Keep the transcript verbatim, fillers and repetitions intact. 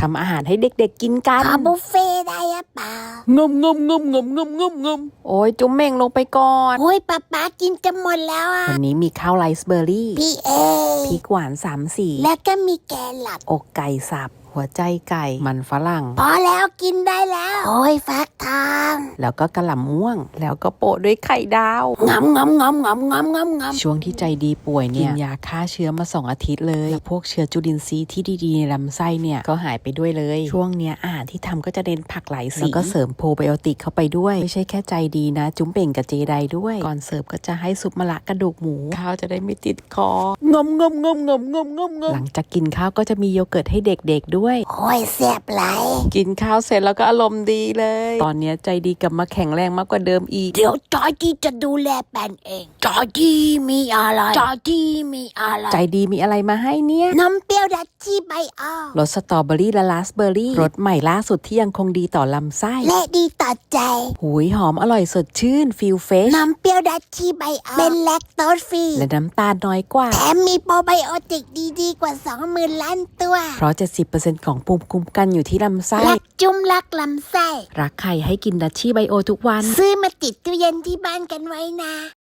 ำอาหารให้เด็กๆกินกันขอบุฟเฟ่ได้หรือเปล่างมงมงมงมงมงมงมโอ้ยจุ๊มเม่งลงไปก่อนโอ้ยป๊าป๊ากินจะหมดแล้วอ่ะวันนี้มีข้าวไรซ์เบอร์รี่พี่เอพริกหวานสามสีแล้วก็มีแกงหลับอกไก่สับหัวใจไก่มันฝรั่งพอแล้วกินได้แล้ว โอ้ยฟักทองแล้วก็กระหล่ำม่วง แล้วก็โปะด้วยไข่ดาวงำงำงำงำงำงำงำช่วงที่ใจดีป่วยเนี่ยกินยาฆ่าเชื้อมาสองอาทิตย์เลยแล้วพวกเชื้อจุลินทรีย์ที่ดีๆในลำไส้เนี่ยก็หายไปด้วยเลยช่วงเนี้ยอาหารที่ทำก็จะเน้นผักหลายสีแล้วก็เสริมโปรไบโอติกเข้าไปด้วยไม่ใช่แค่ใจดีนะจุ๊มเป่งกับเจไดด้วยก่อนเสิร์ฟก็จะให้ซุปมะระกระดูกหมูข้าวจะได้ไม่ติดคองมงมงมงมงมงมหลังจากกินข้าวก็จะมีโยเกิร์ตให้เด็กๆด้วยโอ้ยเสียบไหลกินข้าวเสร็จแล้วก็อารมณ์ดีเลย ตอนนี้ใจดีกลับมาแข็งแรงมากกว่าเดิมอีกเดี๋ยวจอยจี้จะดูแลแปนเองจอยจี้มีอะไรจอยจี้มีอะไรใจดีมีอะไรมาให้เนี่ยน้ำเปรี้ยวดัชชี่ใบอ้อรสสตรอเบอรี่และราสเบอร์รี่รสใหม่ล่าสุดที่ยังคงดีต่อลำไส้และดีต่อใจหุยหอมอร่อยสดชื่นฟิลเฟชน้ำเปรี้ยวดัชชี่ใบอ้อเป็นแลคโตสฟรีและน้ำตาลน้อยกว่าแถมมีโปรไบโอติกดีๆกว่า สองหมื่น ล้านตัวเพราะ เจ็ดสิบเปอร์เซ็นต์ ของภูมิคุ้มกันอยู่ที่ลำไส้รักจุ้มรักลำไส้รักใครให้กินดัชชี่ไบโอทุกวันซื้อมาติดตู้เย็นที่บ้านกันไว้นะ